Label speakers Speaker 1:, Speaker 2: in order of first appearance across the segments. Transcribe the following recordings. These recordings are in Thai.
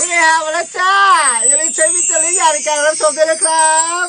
Speaker 1: นี่ไงมาแล้วจ้าอย่าลืมใช้วิจารณญาณในการรับชมด้วยนะครับ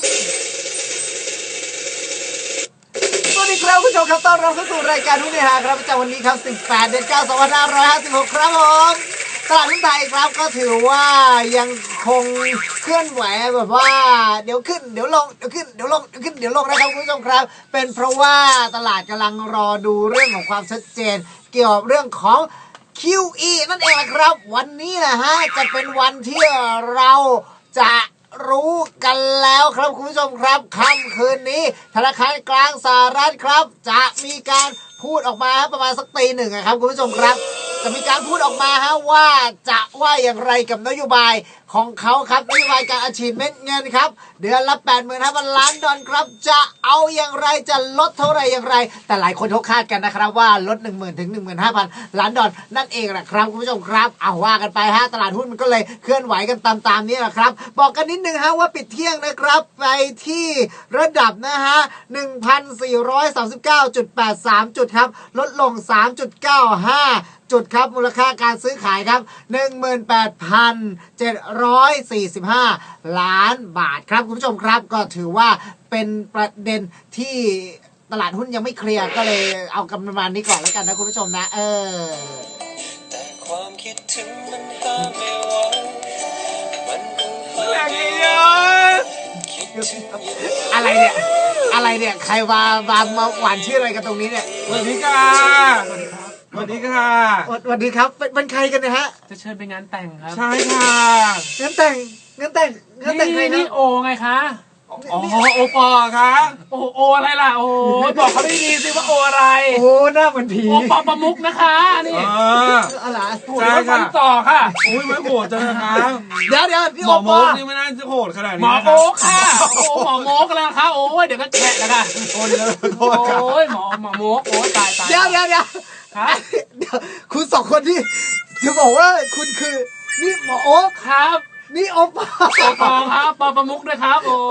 Speaker 1: สวัสดีครับคุณผู้ชมครับต้อนรับเข้าสู่รายการหุ้นเฮฮาครับประจำวันนี้ครับ18 เดือน 9 2556ครับผมตลาดหุ้นไทยครับก็ถือว่ายังคงเคลื่อนไหวแบบว่าเดี๋ยวขึ้นเดี๋ยวลงเดี๋ยวขึ้นเดี๋ยวลงเดี๋ยวขึ้นเดี๋ยวลงนะครับคุณผู้ชมครับเป็นเพราะว่าตลาดกำลังรอดูเรื่องของความชัดเจนเกี่ยวกับเรื่องของ QE นั่นเองนะครับวันนี้นะฮะจะเป็นวันที่เราจะรู้กันแล้วครับคุณผู้ชมครับค่ำคืนนี้ธนาคารกลางสหรัฐครับจะมีการพูดออกมาประมาณสักตีหนึ่งครับคุณผู้ชมครับจะมีการพูดออกมาว่าจะว่าอย่างไรกับนโยบายของเขาครับนโยบายการอัดฉีดเม็ดเงินครับเดือนละ 85,000 ล้านดอลลาร์ครับจะเอาอย่างไรจะลดเท่าไหร่อย่างไรแต่หลายคนเขาคาดกันนะครับว่าลด 10,000 ถึง 15,000 ล้านดอลลาร์นั่นเองนะครับคุณผู้ชมครับเอาว่ากันไปตลาดหุ้นมันก็เลยเคลื่อนไหวกันตามนี้แหละครับบอกกันนิดนึงว่าปิดเที่ยงนะครับไปที่ระดับ1,439.83 จุดครับลดลง 3.95 จุดครับมูลค่าการซื้อขายครับ 18,745 ล้านบาทครับคุณผู้ชมครับก็ถือว่าเป็นประเด็นที่ตลาดหุ้นยังไม่เคลียร์ก็เลยเอากำประมาณนี้ก่อนแล้วกันนะคุณผู้ชมนะ
Speaker 2: แต่ความคิดถึงมันห้ามไม่ไหวมันคงห้ามไม่ไหว
Speaker 1: อะไรเนี่ยใครมาหวานชื่ออะไรกันตรงนี้เนี่ย
Speaker 3: สวัสดีค่ะสวัสดีค่ะ
Speaker 1: สวัสดีครับเป็นใครกันนะฮะ
Speaker 3: จะเชิญไปงานแต่งครับ
Speaker 1: ใช่ค่ะงานแต่งใครนะ
Speaker 3: นี่โอไงคะอ๋อโอปอค่ะโออะไรล่ะโอ้บอกเขาไม่ดีสิว่าโออะไร
Speaker 1: โอ้หน้าเหมือนผี
Speaker 3: โอปอประมุกนะคะนี่
Speaker 1: อะไร
Speaker 3: ใช่ค่ะต่อค่ะ
Speaker 2: อุ้ยไม่โหดจังนะคะ
Speaker 1: เดี๋ยว
Speaker 2: หมอโมกนี่ไม่น่าจะโหดขนาดนี้
Speaker 3: หมอโมกค่ะโอ้หมอโมกแล้วค่ะโอ้ยเดี๋ยวก็แฉะแล้วค่ะ
Speaker 1: โอ้
Speaker 3: ยหมอโมกโอ้ตาย
Speaker 1: เดี๋ยวคุณสองคนที่จะบอกว่าคุณคือนี่หมอโอ๊ค
Speaker 3: ครับ
Speaker 1: นี่โอปอ
Speaker 3: ครับปอประมุกด้วยครับโอ้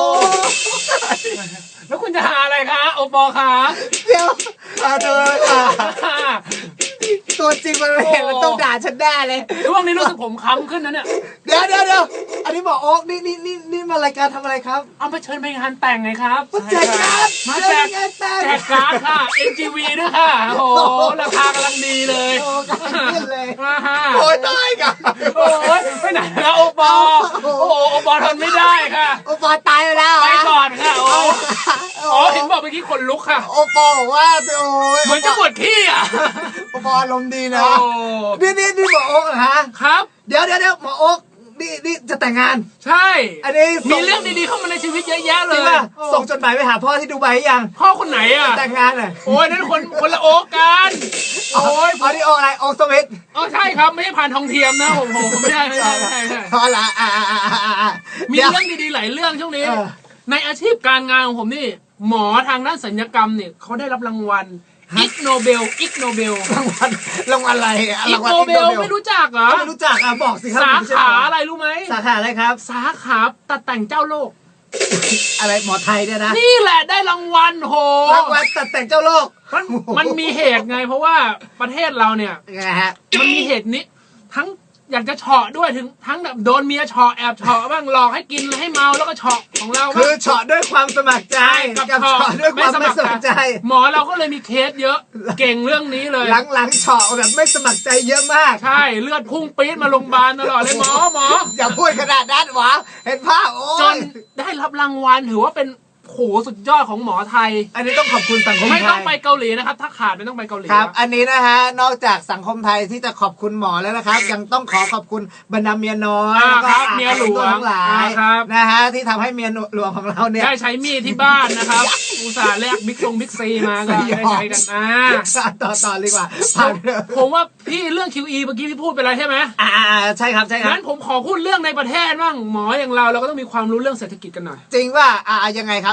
Speaker 3: แล้วคุณจะหาอะไรคะโอปอคะ
Speaker 1: เดี๋ยวเธอค่ะตัวจริงมันเห็นมันต้องด่าฉันแน่เลย
Speaker 3: ช่วงนี้รู้สึกผมค้ำขึ้นนะเนี่ย
Speaker 1: เดี๋ยวอันนี้หมอโอ๊คนี่มารายการทำอะไรครับ
Speaker 3: เอาไปเชิญไปงานแต่งไงครับ
Speaker 1: แจกการ์ด
Speaker 3: มาแจกการ์ดค่ะ NGV ด้วยค่ะโอ้ราคากำลังดีเลย
Speaker 1: โอ้กันเลย
Speaker 3: โอ้
Speaker 1: ยตายกัน
Speaker 3: โอ้ยไปไหนแล้วโอปอโอปอทนไม่ได้ค่ะ
Speaker 1: โอปอตายไปแล้ว
Speaker 3: ไปก่อนค่ะอ๋อเห็นบอกเมื่อกี้ขนลุกค่ะ
Speaker 1: โอปอบอกว่าโอ้ย
Speaker 3: เหมือนจะปวดขี้อ่ะ
Speaker 1: โอปออารมณ์ดีนะนี่หมอโอ๊คเหรอฮะ
Speaker 3: ครับ
Speaker 1: เดี๋ยวหมอโอ๊คนี่จะแต่งงาน
Speaker 3: ใช่
Speaker 1: อันนี้
Speaker 3: มีเรื่องดีๆเข้ามาในชีวิตเยอะแยะเลย
Speaker 1: ส่งจดหมายไปหาพ่อที่ดูไบยัง
Speaker 3: พ่อคนไหนอ่ะ
Speaker 1: แต่งงานเลย
Speaker 3: โอ้ยนั่นคนละโอ๊กกัน
Speaker 1: โอ้ยนี่โอ๊กอะไรโอ๊กสมิธ
Speaker 3: ใช่ครับไม่ใช่ผ่านทองเทียมนะผมไม่ใช่
Speaker 1: พอละ
Speaker 3: มีเรื่องดีๆหลายเรื่องช่วงนี้ในอาชีพการงานของผมนี่หมอทางด้านศัลยกรรมเนี่ยเขาได้รับรางวัลอิกโนเบล
Speaker 1: รางวัลอะไร
Speaker 3: อิกโนเบลไม่รู้จักเหรอ
Speaker 1: ไม่รู้จักบอกสิครับ
Speaker 3: สาขาอะไรรู้ไหม
Speaker 1: สาขาอะไรครับ
Speaker 3: สาขาตัดแต่งเจ้าโลก
Speaker 1: อะไรหมอไทยเนี่ยนะ
Speaker 3: นี่แหละได้รางวัลโห
Speaker 1: รางวัลตัดแต่งเจ้าโลก
Speaker 3: มันมีเหตุไงเพราะว่าประเทศเราเนี่ยมันมีเหตุนี้ทั้งอยากจะเฉาะด้วยถึงทั้งแบบโดนเมียเฉาะแอบเฉาะบ้างหลอกให้กินให้เมาแล้วก็เฉาะของเรา
Speaker 1: คือเฉาะด้วยความสมัครใจ
Speaker 3: กับเฉาะ
Speaker 1: ด้วยความไม่สมัครใจ
Speaker 3: หมอเราก็เลยมีเคสเยอะเก่งเรื่องนี้เลย
Speaker 1: หลังเฉาะแบบไม่สมัครใจเยอะมาก
Speaker 3: ใช่เลือดพุ่งปี๊ดมาโรงพยาบาลตลอดเลยหมอ
Speaker 1: อย่าพูดขนาดนั้นหวะเห็นภาพโอ้
Speaker 3: ยจนได้รับรางวัลถือว่าเป็นโหสุดยอดของหมอไทย
Speaker 1: อันนี้ต้องขอบคุณสังคมไทย
Speaker 3: ไม่ต้องไปเกาหลีนะครับถ้าขาดไม่ต้องไปเกาหลี
Speaker 1: ครับอันนี้นะฮะนอกจากสังคมไทยที่จะขอบคุณหมอแล้วนะครับยังต้องขอบคุณบรรดาเมียน้อย
Speaker 3: ครับเมียหลวง
Speaker 1: ทั้งหลายนะฮะที่ทำให้เมียหลวงของเราเนี่ย
Speaker 3: ได้ใช้มีดที่บ้านนะครับอุตส่าห์แลกบิ๊กซีมาก็ได้ใช้กัน
Speaker 1: ต่อดีกว่า
Speaker 3: ผมว่าพี่เรื่อง QE เมื่อกี้พี่พูดไปแล้วใช่ไหม
Speaker 1: ใช่ครับ
Speaker 3: งั้นผมขอพูดเรื่องในประเทศบ้างหมออย่างเราก็ต้องมีความรู้เรื่องเศรษฐกิจกันหน่อย
Speaker 1: จริงว่ายังไงครับ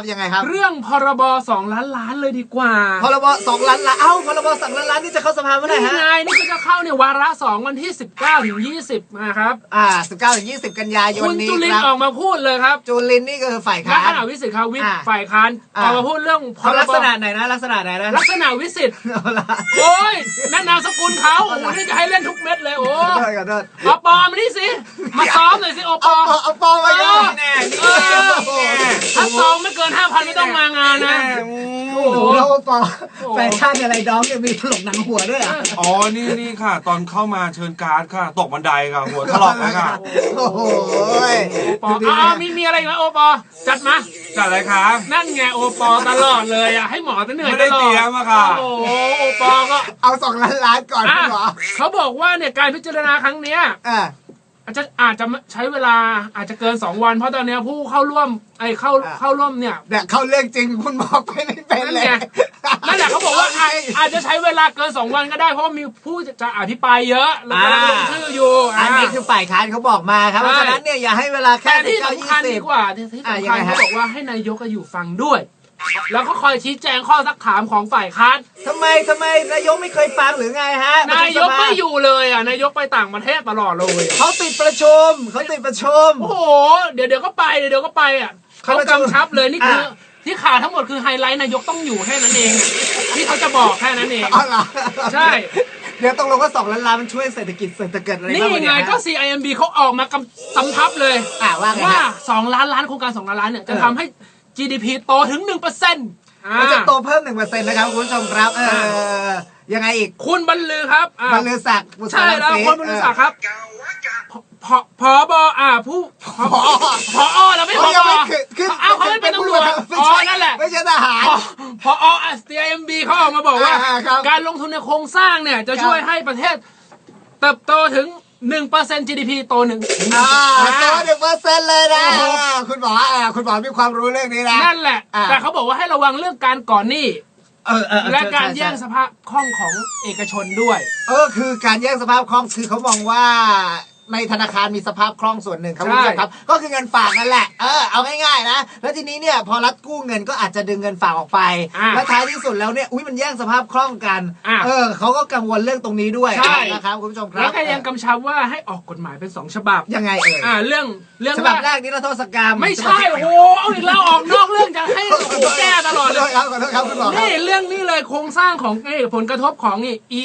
Speaker 1: ยังไงครับ
Speaker 3: เรื่องพรบ2 ล้านล้านเลยดีกว่า
Speaker 1: พรบ2 ล้านล้านพรบ2 ล้านล้านนี่จะเข้าสภาเมื่อไหร่ฮะ
Speaker 3: นี่ไงนี่ก็จะเข้าเนี่ยวาระ2วันที่19ถึง20นะครับ
Speaker 1: 19ถึง20กันยายน
Speaker 3: คุณ
Speaker 1: นี้
Speaker 3: จุลินออกมาพูดเลยครับ
Speaker 1: จุลินนี่ก็คือฝ่ายค้าน
Speaker 3: ลักษณะวิสิทธิ์ครับฝ่ายค้านออกมาพูดเรื่องพรบ
Speaker 1: ลักษณะไหนนะลักษณะไหนนะ
Speaker 3: ลักษณะวิสิทธิ์โอ้ยนั่นนามสกุลเขาโอ้นี่จะให้เล่นทุกเม็ดเลยโอ้เอาปอมานี่สิมาซ้อมหน่อยสิโอปอ
Speaker 1: เอาปอมาเยอะแน่
Speaker 3: ถ้าซองไม่เกิน 5,000 ไม่ต้องมางานนะ
Speaker 1: โอ้โหแล้วปอแฟชั่นอะไรน้องยังมีถลกหนังหัวด้วย
Speaker 4: อ๋อนี่ค่ะ ตอนเข้ามาเชิญการ์ดค่ะตกบันไดค่ะหัวถลอกแล้วค่ะ
Speaker 1: โอ้โห
Speaker 3: ปอมีอะไรอีกไหมโอปอจัดมา
Speaker 4: จัดอะไรคะ
Speaker 3: นั่นไงโอปอตลอดเลยอ่ะให้หมอจะเหนื่อยตลอด
Speaker 4: ไม่ได้เตรียมอะค่ะ
Speaker 3: โอ้โอปอก็
Speaker 1: เอา2 ล้านล้านก่อนหรอ
Speaker 3: เขาบอกว่าเนี่ยการพิจารณาครั้งเนี้ยอาจจะใช้เวลาอาจจะเกิน2 วันเพราะตอนนี้ผู้เข้าร่วมเข้าร่วมเนี่ย
Speaker 1: เข้าเรื่องจริงคุณบอกไปไม่เป็นเลย
Speaker 3: นั่นแหละเขาบอกว่าอาจจะใช้เวลาเกิน2 วันก็ได้เพราะมีผู้จะอภิปรายเยอะแล้วก็ลงชื่ออยู่
Speaker 1: อันนี้คือฝ่ายค้านเขาบอกมาครับเพราะฉะนั้นเนี่ยอย่าให้เวลาแค่
Speaker 3: ที่สำคัญดีกว่าที่สำคัญเขาบอกว่าให้นายกอยู่ฟังด้วยแล้วก็คอยชี้แจงข้อซักถามของฝ่ายค้าน
Speaker 1: ทำไมนายกไม่เคยฟังหรือไงฮะ
Speaker 3: นายกไม่อยู่เลยนายกไปต่างประเทศตลอดเลย
Speaker 1: เขาติดประชุม
Speaker 3: โอ้โหเดี๋ยวก็ไปเขากำชับเลยนี่คือที่ข่าวทั้งหมดคือไฮไลท์นายกต้องอยู่แค่นั้นเองที่เขาจะบอกแค่นั้นเองใช่
Speaker 1: เดี๋ยวต้องลงว่า2 ล้านล้านมันช่วยเศรษฐกิจอะไร
Speaker 3: นี่ไงก็ CIMB เขาออกมากำชับเลยว่า2 ล้านล้านโครงการ2 ล้านล้านเนี่ยจะทำให้GDP โตถึง 1%
Speaker 1: มันจะโตเพิ่ม 1% นะครับคุณผู้ชมครับยังไงอีก
Speaker 3: คุณบรรลือครับ
Speaker 1: บรรลือศักดิ์
Speaker 3: ใช่แล้วคุณบรรลือศักดิ์ครับผบผู้ผอแล้วไม่ผบเขาไม่เป็นตำรวจนั่นแหละ
Speaker 1: ไม่ใช่ทหาร
Speaker 3: ผอCIMB เขาออกมาบอกว่าการลงทุนในโครงสร้างเนี่ยจะช่วยให้ประเทศเติบโตถึง1% GDP โต1%
Speaker 1: โต1%เลยนะคุณหมอมีความรู้เรื่องนี้นะ
Speaker 3: นั่นแหละแต่เขาบอกว่าให้ระวังเรื่องการก่อนหนี้และการแย่งสภาพคล่องของเอกชนด้วย
Speaker 1: คือการแย่งสภาพคล่องคือเขามองว่าในธนาคารมีสภาพคล่องส่วนหนึ่งครับคุณผู้ชมครับก็คือเงินฝากนั่นแหละเอาง่ายๆนะแล้วทีนี้เนี่ยพอรัฐกู้เงินก็อาจจะดึงเงินฝากออกไปและท้ายที่สุดแล้วเนี่ยมันแย่งสภาพคล่องกันเขาก็กังวลเรื่องตรงนี้ด้วยนะครับคุณผู้ชมครับ
Speaker 3: แล้วก็ยังกำชับว่าให้ออกกฎหมายเป็น2 ฉบับ
Speaker 1: ยังไง
Speaker 3: เรื่อง
Speaker 1: ฉบับแรกนี่เราโทษกรรม
Speaker 3: ไม่ใช่โอ้โหเอาอีกแล้วออกนอกเรื่องจะให้แก้ตลอดเลย
Speaker 1: ครับขอโทษครับคุณหมอ
Speaker 3: นี่เรื่องนี้เลยโครงสร้างของผลกระทบของ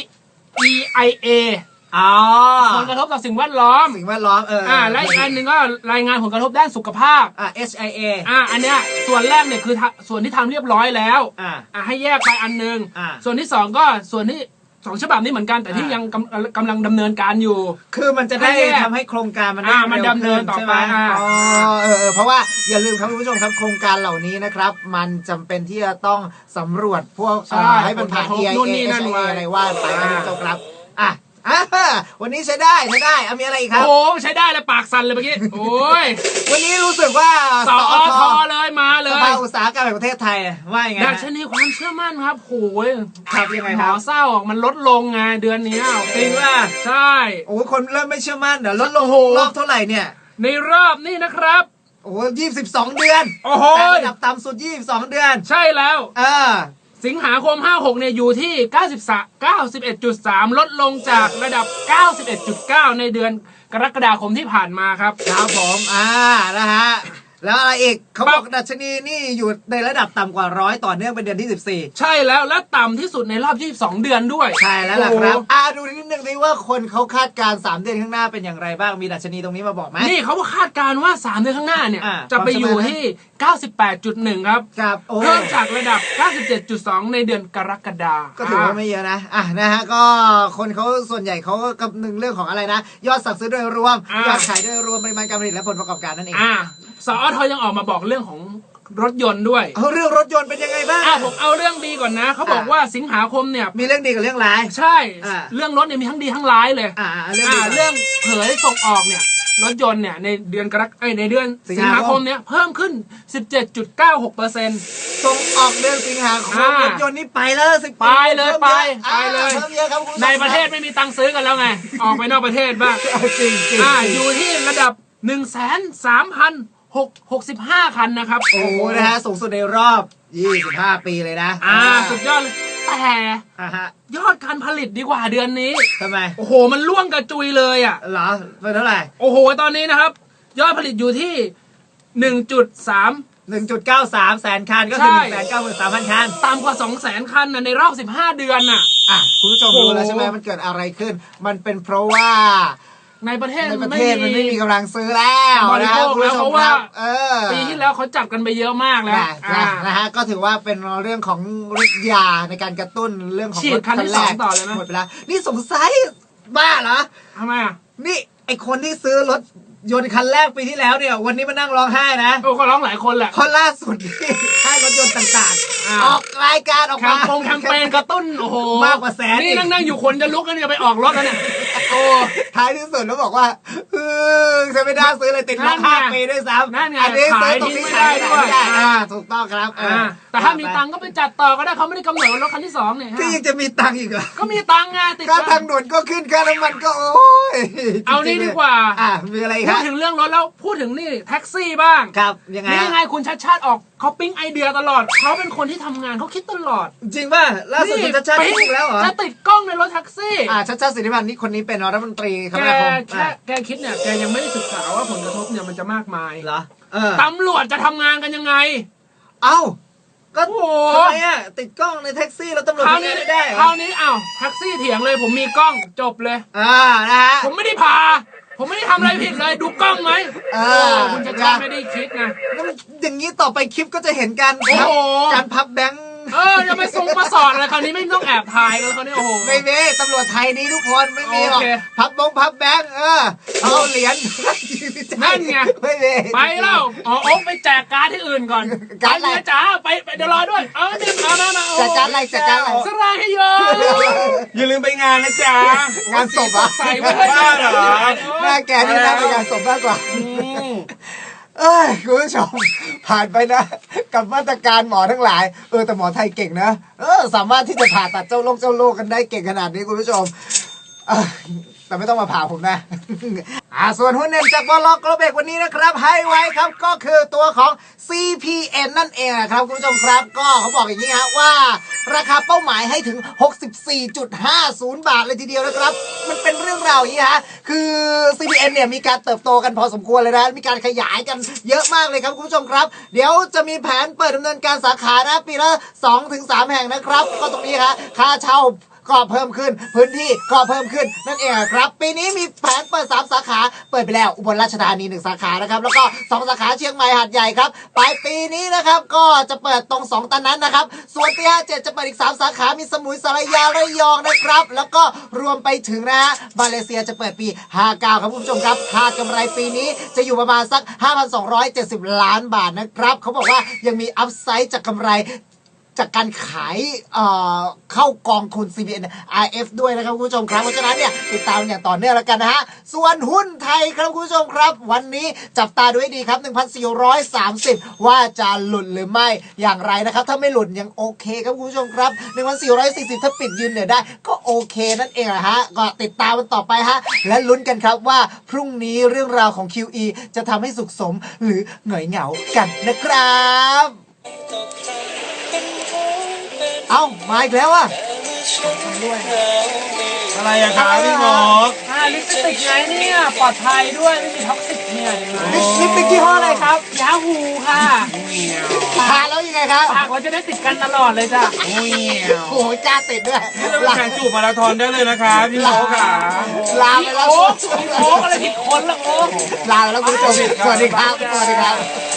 Speaker 3: EIAผลกระทบต่อสิ่งแวดล้อมและอีกอันหนึ่งก็รายงานผลกระทบด้านสุขภาพ
Speaker 1: HIA
Speaker 3: อันเนี้ยส่วนแรกเนี่ยคือส่วนที่ทำเรียบร้อยแล้วให้แยกไปอันนึงส่วนที่2ก็ส่วนที่2 ฉบับนี้เหมือนกันแต่ที่ยังกำลังดำเนินการอยู่
Speaker 1: คือมันจะได้ทำให้โครงการ
Speaker 3: มันดำเนินต่อไป
Speaker 1: เพราะว่าอย่าลืมครับคุณผู้ชมครับโครงการเหล่านี้นะครับมันจำเป็นที่จะต้องสำรวจพวกให้มันผ่าน EIA อะไรว่าไปนะคุณผู้ชมครับวันนี้ใช้ได้มีอะไรอีกครับ
Speaker 3: โอ้ใช้ได้เลยปากสั่นเลยเมื่อกี้โอ้ย
Speaker 1: วันนี้รู้สึกว่า
Speaker 3: สอทเลยมาเลย
Speaker 1: สภาอุตสาหกรรมแห่งประเทศไทยว่าอย่างไง
Speaker 3: ดัชนีความเชื่อมั่นครับโอ้ย
Speaker 1: ครับยังไงครับ
Speaker 3: เศร้ามันลดลงไงเดือนนี้
Speaker 1: จริงว่า
Speaker 3: ใช่
Speaker 1: คนเริ่มไม่เชื่อมั่นเดี๋ยวลดลงรอบเท่าไหร่เนี่ย
Speaker 3: ในรอบนี่นะครับ
Speaker 1: 22 เดือนแต่ระดับต่ำสุด22 เดือน
Speaker 3: ใช่แล้วสิงหาคม 56เนี่ยอยู่ที่ 91.3 ลดลงจากระดับ 91.9 ในเดือนกรกฎาคมที่ผ่านมาครับ
Speaker 1: ผมนะฮะแล้วอะไรอีกเขาบอกดัชนีนี่อยู่ในระดับต่ำกว่า100ต่อเนื่องเป็นเดือนที่14
Speaker 3: ใช่แล้วและต่ำที่สุดในรอบ22 เดือนด้วย
Speaker 1: ใช่แล้วล่ะครับดูนิดนึงดิว่าคนเขาคาดการ3 เดือนข้างหน้าเป็นอย่างไรบ้างมีดัชนีตรงนี้มาบอกไหม
Speaker 3: นี่เขาคาดการว่า3 เดือนข้างหน้าเนี่ยจะไปอยู่ที่ 98.1 ครับเพิ่มจากระดับ 97.2 ในเดือนกรกฎาคม
Speaker 1: ก็ถือว่าไม่เยอะนะฮะก็คนเขาส่วนใหญ่เขาก็คำนึงเรื่องของอะไรนะยอดสั่งซื้อโดยรวมยอดขายโดยรวมปริมาณการผลิตและผลประกอบการนั่นเอง
Speaker 3: สอทยังออกมาบอกเรื่องของรถยนต์ด้วย
Speaker 1: เรื่องรถยนต์เป็นยังไงบ้าง
Speaker 3: ผมเอาเรื่องดีก่อนนะเขาบอกว่าสิงหาคมเนี่ย
Speaker 1: มีเรื่องดีกับเรื่องร้าย
Speaker 3: ใช่เรื่องรถเนี่ยมีทั้งดีทั้งร้ายเลยเรื่องเผยส่งออกเนี่ยรถยนต์เนี่ยในเดือนในเดือนสิงหาคมเนี่ยเพิ่มขึ้น 17.96%
Speaker 1: ส่งออกเดือนสิงหาคมรถยนต์นี่ไปแล้ว
Speaker 3: ไปเลยเพิ่มเยอะครับในประเทศไม่มีตังค์ซื้อกันแล้วไงออกไปนอกประเทศบ้าง
Speaker 1: จริง
Speaker 3: อยู่ที่ระดับ 130,600 65 คันนะครับ
Speaker 1: โอ้โหนะฮะสูงสุดในรอบ 25 ปีเลยนะ
Speaker 3: สุดยอดเลยแต่
Speaker 1: ฮะ
Speaker 3: ยอดการผลิตดีกว่าเดือนนี้
Speaker 1: ทำไม
Speaker 3: โอ้โหมันล่วงกระจุยเลยอ่ะ
Speaker 1: เหรอเป็นเท่าไหร่
Speaker 3: โอ้โหตอนนี้นะครับ ยอดผลิตอยู่ที่ 1.3
Speaker 1: 1.93 แสนคันก็คือ
Speaker 3: ใช่
Speaker 1: 193,000 คัน
Speaker 3: ต่ำกว่า 200,000 คันนะในรอบ 15 เดือนน่ะ
Speaker 1: คุณผู้ชม
Speaker 3: โอ้โห
Speaker 1: รู้แล้วใช่ไหมมันเกิดอะไรขึ้น มันเป็นเพราะว่า
Speaker 3: ในประเทศ
Speaker 1: ในประเทศมันไม่มีกำลังซื้อแล้ว
Speaker 3: บริ
Speaker 1: นะ
Speaker 3: โภค
Speaker 1: คุณ
Speaker 3: แล้ว
Speaker 1: ผู้ช
Speaker 3: เพ
Speaker 1: ม
Speaker 3: ราะ
Speaker 1: ค
Speaker 3: ว่า
Speaker 1: รับ
Speaker 3: ปีที่แล้วเขาจัดกันไปเยอะมากแล้ว
Speaker 1: นะฮะก็ถือว่าเป็นเรื่องของฤทธิ์ยาในการกระตุ้นเรื่องของ
Speaker 3: ฉี
Speaker 1: ร
Speaker 3: ด
Speaker 1: ถ
Speaker 3: คันที่
Speaker 1: แรก
Speaker 3: 2ต่อเลยไหม
Speaker 1: หมดไปแล้วนี่สงสัยบ้าเหรอ
Speaker 3: ทำไมอ่ะ
Speaker 1: นี่ไอคนที่ซื้อรถยนต์คันแรกปีที่แล้วเนี่ยวันนี้มานั่งร้องไห้นะ
Speaker 3: โอ้ก็ร้องหลายคนแหละ
Speaker 1: เพราะล่าสุดนี่ค่ายรถยนต์ต่างๆ ออกรายการออก
Speaker 3: แค
Speaker 1: มาม
Speaker 3: แคมเปญกระตุ้นโอ้โห
Speaker 1: มากกว่าแสน
Speaker 3: นี่
Speaker 1: อีก
Speaker 3: นั่งอยู่คนจะลุกแล้วเนี่ยไปออกรถแล้วเนี่ยโอ้
Speaker 1: ท้ายที่สุดแล้วบอกว่าฉันไม่ได้ซื้อเลยติดล็อก
Speaker 3: นั่นไง
Speaker 1: 5 ปีด้วยซ้ำ
Speaker 3: นั่นไง
Speaker 1: อันนี้ซื้อ
Speaker 3: ขาย
Speaker 1: ตรงนี้
Speaker 3: ทิ้งไม่ได้ด้วย
Speaker 1: ขายไม่ได้ถูกต้องครับ
Speaker 3: แต่ถ้ามีตังค์ก็ไปจัดต่อก็ได้เขาไม่ได้กำหนดว่ารถคันที่ 2เนี่ยฮะ
Speaker 1: ที่ยังจะมีตังค์อีกเหรอ
Speaker 3: ก็มีตังค์ไงติด
Speaker 1: ค่า
Speaker 3: กัน
Speaker 1: ทางด่วนก็ขึ้นค่าน้ำมันก็โอ้ย
Speaker 3: เอานี่ดีกว่า
Speaker 1: มีอะไรค
Speaker 3: พู
Speaker 1: รั
Speaker 3: ด
Speaker 1: บ
Speaker 3: ถึงเรื่องรถแล้วพูดถึงนี่แท็กซี่บ้าง
Speaker 1: ครับยังไง
Speaker 3: นี่
Speaker 1: ฮะ
Speaker 3: ไงคุณชัดชาติออกเขาปิ๊งไอเดียตลอดเขาเป็นคนที่ทำงานเขาคิดตลอด
Speaker 1: จริงป่ะล่าสุดคุณชัดชาติ
Speaker 3: ปิ๊ง
Speaker 1: คิดแล้วเหรอ
Speaker 3: จะติดกล้องในรถแท็กซี่
Speaker 1: ชัดชาติสิทธิพันธ์นี่คนนี้เป็นรัฐมนตรีคม
Speaker 3: แก
Speaker 1: นาคม
Speaker 3: แกคิดเนี่ยแกยังไม่ได้ศึกษาว่าผลกระทบเนี่ยมันจะมากมาย
Speaker 1: เหรอ
Speaker 3: ตำรวจจะทำงานกันยังไง
Speaker 1: เอ้าก็
Speaker 3: โอ้โห
Speaker 1: ทำไมอ่ะติดกล้องในแท็กซี่แล้วตำรวจ
Speaker 3: คราว
Speaker 1: ไม่
Speaker 3: นี้
Speaker 1: ได้เหร
Speaker 3: ครา
Speaker 1: อ
Speaker 3: วนี้อ้าวแท็กซี่เถียงเลยผมมีกล้องจบเลย
Speaker 1: นะฮะ
Speaker 3: ผมไม่ได้พา ผมไม่ได้ทำอะไรผิดเลยดูกล้องไหมคุณชัดชาติไม่ได้คิดนะ
Speaker 1: แล้วอย่างนี้ต่อไปคลิปก็จะเห็นการ
Speaker 3: โอ้โห
Speaker 1: การพับแบงค์
Speaker 3: จะไปส่งมาสอนอะไรคราวนี้ไม่ต้องแอบถ่ายกันคราวนี้โอ้โห
Speaker 1: ไม่มีตำรวจไทยนี้ทุกคนไม่มีหรอก
Speaker 3: โอเค
Speaker 1: พับแบงค์เอาเหรียญ
Speaker 3: นั่นไง
Speaker 1: ไม่มี
Speaker 3: ไปแล้วอ๋อโอ๊คไปแจกการ์ดที่อื่นก่อน
Speaker 1: การ์ดอะไร
Speaker 3: ไปเมียจ๋าไปเดี๋ยวรอด้วยเนี่ยมาโอ้
Speaker 1: จัดการอะไรจัดการอะไร
Speaker 3: สลายให้โย
Speaker 4: อย่าลืมไปงานนะจ๊ะ
Speaker 1: งานศพอ่ะ
Speaker 3: ใส่ไว้ให้
Speaker 4: บ้าเหรอ
Speaker 1: หน้าแกนี่น่าเป็นงานศพมากกว่า คุณผู้ชมผ่านไปนะ กับมาตรการหมอทั้งหลายแต่หมอไทยเก่งนะสามารถที่จะผ่าตัดเจ้าโรคกันได้เก่งขนาดนี้คุณผู้ชมแต่ไม่ต้องมาผ่าผมนะ ส่วนหุ้นเด่นจากบลกรเบกวันนี้นะครับให้ไว้ครับก็คือตัวของ CPN นั่นเองนะครับคุณผู้ชมครับก็เขาบอกอย่างนี้ฮะว่าราคาเป้าหมายให้ถึง 64.50 บาทเลยทีเดียวนะครับ มันเป็นเรื่องราวอย่างนี้ฮะคือ CPN เนี่ยมีการเติบโตกันพอสมควรเลยนะมีการขยายกันเยอะมากเลยครับคุณผู้ชมครับเดี๋ยวจะมีแผนเปิดดำเนินการสาขานะปีละ 2-3 แห่งนะครับก็ตรงนี้ฮะค่าเช่าก็เพิ่มขึ้นพื้นที่ก็เพิ่มขึ้นนั่นเองครับปีนี้มีแผนเปิด3สาขาเปิดไปแล้วอุบลราชธานี1สาขานะครับแล้วก็2สาขาเชียงใหม่หาดใหญ่ครับปลายปีนี้นะครับก็จะเปิดตรง2ตอนนั้นนะครับส่วนปี57จะเปิดอีก3สาขามีสมุยสารยาระยองนะครับแล้วก็รวมไปถึงนะฮะมาเลเซียจะเปิดปี59ครับคุณผู้ชมครับคาดกำไรปีนี้จะอยู่ประมาณสัก 5,270 ล้านบาทนะครับเขาบอกว่ายังมีอัพไซด์จากกำไรจากการขายเข้ากองทุน CPN RF ด้วยนะครับคุณผู้ชมครับเพราะฉะนั้นเนี่ยติดตามอย่างต่อเนื่องแล้วกันนะฮะส่วนหุ้นไทยครับคุณผู้ชมครับวันนี้จับตาดูให้ดีครับ 1,430 ว่าจะหลุดหรือไม่อย่างไรนะครับถ้าไม่หลุดยังโอเคครับคุณผู้ชมครับ 1,440 ถ้าปิดยืนเหนือได้ก็โอเคนั่นเองนะฮะก็ติดตามมันต่อไปฮะและลุ้นกันครับว่าพรุ่งนี้เรื่องราวของ QE จะทำให้สุขสมหรือหงอยเหงากันนะครับเอ้ามาอีกแล้วอ่ะ
Speaker 4: อะไรอะครับพี่หมอก
Speaker 3: ลิปสติกไงเนี่ยปลอดภัยด้วยไม่มีท็อกซิกเนี่ยเห็นไหม
Speaker 1: ลิปสติกยี่ห้ออะไรครับ
Speaker 3: ยาฮูค่ะ
Speaker 1: ทาแล้วยังไงครับ
Speaker 3: ปากเราจะได้ติดกันตลอดเลยจ้ะ
Speaker 1: โอ้โหจ้าติดด้วย
Speaker 4: นี่เราไปแข่งจูบมาราธอนได้เลยนะครับพี่หมอค่ะ
Speaker 1: ลาไปแล้ว
Speaker 3: โอ๊กอะไรผิดคนละโอ๊ก
Speaker 1: ลาไปแล้วคุณผู้ชมสวัสดีครับสวัสดีครับ